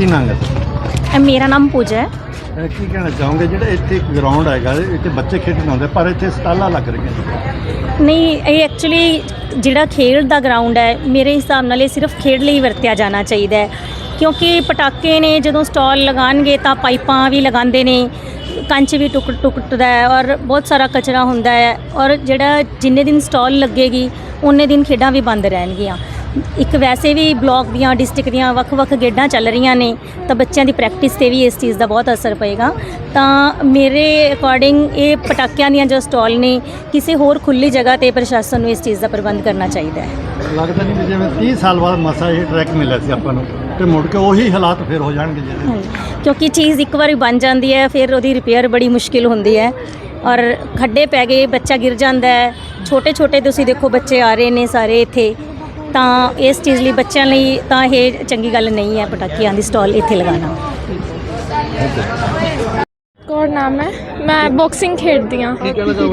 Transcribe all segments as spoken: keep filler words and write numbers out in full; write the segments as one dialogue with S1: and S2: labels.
S1: ਕੀ ਨਾਮ ਹੈ?
S2: ਅ, ਮੇਰਾ ਨਾਮ ਪੂਜਾ ਹੈ।
S1: ਅਹ ਕੀ ਕਹਿਣਾ ਚਾਹੋਗੇ ਜਿਹੜਾ ਇੱਥੇ ਗਰਾਊਂਡ ਹੈਗਾ ਇੱਥੇ ਬੱਚੇ ਖੇਡਣ ਆਉਂਦੇ ਪਰ ਇੱਥੇ ਸਟਾਲਾਂ ਲੱਗ ਰਹੀਆਂ ਨੇ?
S2: ਨਹੀਂ, ਇਹ ਐਕਚੁਅਲੀ ਜਿਹੜਾ ਖੇਡ ਦਾ ਗਰਾਊਂਡ ਹੈ ਮੇਰੇ ਹਿਸਾਬ ਨਾਲ ਇਹ ਸਿਰਫ ਖੇਡ ਲਈ ਵਰਤਿਆ ਜਾਣਾ ਚਾਹੀਦਾ ਹੈ, ਕਿਉਂਕਿ ਪਟਾਕੇ ਨੇ ਜਦੋਂ ਸਟਾਲ ਲਗਾਉਣਗੇ ਤਾਂ ਪਾਈਪਾਂ ਵੀ ਲਗਾਉਂਦੇ ਨੇ, ਕੰਚ ਵੀ ਟੁੱਕ ਟੁੱਟਦਾ ਹੈ ਔਰ ਬਹੁਤ ਸਾਰਾ ਕਚਰਾ ਹੁੰਦਾ ਹੈ, ਔਰ ਜਿਹੜਾ ਜਿੰਨੇ ਦਿਨ ਸਟਾਲ ਲੱਗੇਗੀ ਉਨੇ ਦਿਨ ਖੇਡਾਂ ਵੀ ਬੰਦ ਰਹਿਣਗੀਆਂ। ਇੱਕ ਵੈਸੇ ਵੀ ਬਲਾਕ ਦੀਆਂ ਡਿਸਟ੍ਰਿਕਟ ਦੀਆਂ ਵੱਖ-ਵੱਖ ਖੇਡਾਂ ਚੱਲ ਰਹੀਆਂ ਨੇ ਤਾਂ ਬੱਚਿਆਂ ਦੀ ਪ੍ਰੈਕਟਿਸ 'ਤੇ ਵੀ ਇਸ ਚੀਜ਼ ਦਾ ਬਹੁਤ ਅਸਰ ਪਏਗਾ। ਤਾਂ ਮੇਰੇ ਅਕੋਰਡਿੰਗ ਇਹ ਪਟਾਕਿਆਂ ਦੀਆਂ ਜੋ ਸਟਾਲ ਨੇ ਕਿਸੇ ਹੋਰ ਖੁੱਲ੍ਹੀ ਜਗ੍ਹਾ 'ਤੇ ਪ੍ਰਸ਼ਾਸਨ ਨੂੰ ਇਸ ਚੀਜ਼ ਦਾ ਪ੍ਰਬੰਧ ਕਰਨਾ ਚਾਹੀਦਾ ਹੈ।
S1: ਲੱਗਦਾ ਨਹੀਂ ਵੀ ਜਿਵੇਂ ਤੀਹ ਸਾਲ ਬਾਅਦ ਮਸਾ ਇਹ ਟਰੈਕ ਮਿਲਿਆ ਸੀ ਆਪਾਂ ਨੂੰ ਤੇ ਮੁੜ ਕੇ ਉਹੀ ਹਾਲਾਤ ਫਿਰ ਹੋ ਜਾਣਗੇ ਜਿਹੜੇ,
S2: ਕਿਉਂਕਿ ਚੀਜ਼ ਇੱਕ ਵਾਰੀ ਬਣ ਜਾਂਦੀ ਹੈ ਫਿਰ ਉਹਦੀ ਰਿਪੇਅਰ ਬੜੀ ਮੁਸ਼ਕਿਲ ਹੁੰਦੀ ਹੈ ਔਰ ਖੱਡੇ ਪੈ ਗਏ, ਬੱਚਾ ਗਿਰ ਜਾਂਦਾ ਹੈ। ਛੋਟੇ ਛੋਟੇ ਤੁਸੀਂ ਦੇਖੋ ਬੱਚੇ ਆ ਰਹੇ ਨੇ ਸਾਰੇ ਇੱਥੇ, ਤਾਂ ਇਸ ਚੀਜ਼ ਲਈ ਬੱਚਿਆਂ ਲਈ ਤਾਂ ਇਹ ਚੰਗੀ ਗੱਲ ਨਹੀਂ ਹੈ ਪਟਾਕਿਆਂ ਦੀ ਸਟਾਲ ਇੱਥੇ ਲਗਾਉਣਾ।
S3: ਕੌਰ ਨਾਮ ਹੈ, ਮੈਂ ਬਾਕਸਿੰਗ ਖੇਡਦੀ ਹਾਂ।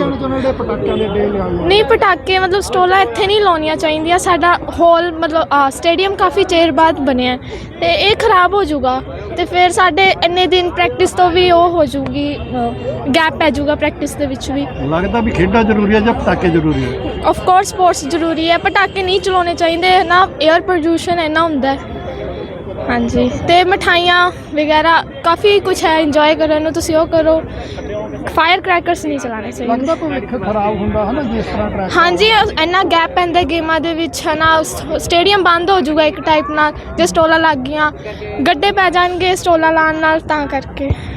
S3: ਨਹੀਂ, ਪਟਾਕੇ ਮਤਲਬ ਸਟੋਲਾਂ ਇੱਥੇ ਨਹੀਂ ਲਾਉਣੀਆਂ ਚਾਹੀਦੀਆਂ। ਸਾਡਾ ਹਾਲ ਮਤਲਬ ਸਟੇਡੀਅਮ ਕਾਫੀ ਚਿਰ ਬਾਅਦ ਬਣਿਆ ਅਤੇ ਇਹ ਖਰਾਬ ਹੋ ਜਾਊਗਾ ਅਤੇ ਫਿਰ ਸਾਡੇ ਇੰਨੇ ਦਿਨ ਪ੍ਰੈਕਟਿਸ ਤੋਂ ਵੀ ਉਹ ਹੋ ਜਾਊਗੀ, ਗੈਪ ਪੈ ਜਾਊਗਾ ਪ੍ਰੈਕਟਿਸ ਦੇ ਵਿੱਚ ਵੀ।
S1: ਲੱਗਦਾ ਵੀ ਖੇਡਾਂ ਜ਼ਰੂਰੀ ਹੈ ਜਾਂ ਪਟਾਕੇ ਜ਼ਰੂਰੀ ਹੈ?
S3: ਆਫ ਕੋਰਸ ਸਪੋਰਟਸ ਜ਼ਰੂਰੀ ਹੈ, ਪਟਾਕੇ ਨਹੀਂ ਚਲਾਉਣੇ ਚਾਹੀਦੇ ਨਾ, ਏਅਰ ਪ੍ਰਦੂਸ਼ਣ ਇੰਨਾ ਹੁੰਦਾ ਹੈ। ਹਾਂਜੀ, ਅਤੇ ਮਿਠਾਈਆਂ ਵਗੈਰਾ ਕਾਫੀ ਕੁਛ ਹੈ ਇੰਜੋਏ ਕਰਨ ਨੂੰ, ਤੁਸੀਂ ਉਹ ਕਰੋ। ਫਾਇਰ ਕਰੈਕਰਸ ਨਹੀਂ ਚਲਾਉਣੇ ਚਾਹੀਦੇ।
S1: ਲੱਗਦਾ ਭਵਿੱਖ ਖਰਾਬ ਹੁੰਦਾ ਹੈ ਨਾ ਜਿਸ ਤਰ੍ਹਾਂ ਟਰੈਕ।
S3: ਹਾਂਜੀ, ਇੰਨਾ ਗੈਪ ਪੈਂਦਾ ਗੇਮਾਂ ਦੇ ਵਿੱਚ ਹੈ ਨਾ, ਸਟੇਡੀਅਮ ਬੰਦ ਹੋ ਜਾਊਗਾ ਇੱਕ ਟਾਈਪ ਨਾਲ ਜੇ ਸਟੋਲਾਂ ਲੱਗ ਗਈਆਂ, ਗੱਡੇ ਪੈ ਜਾਣਗੇ ਸਟੋਲਾਂ ਲਾਉਣ ਨਾਲ, ਤਾਂ ਕਰਕੇ।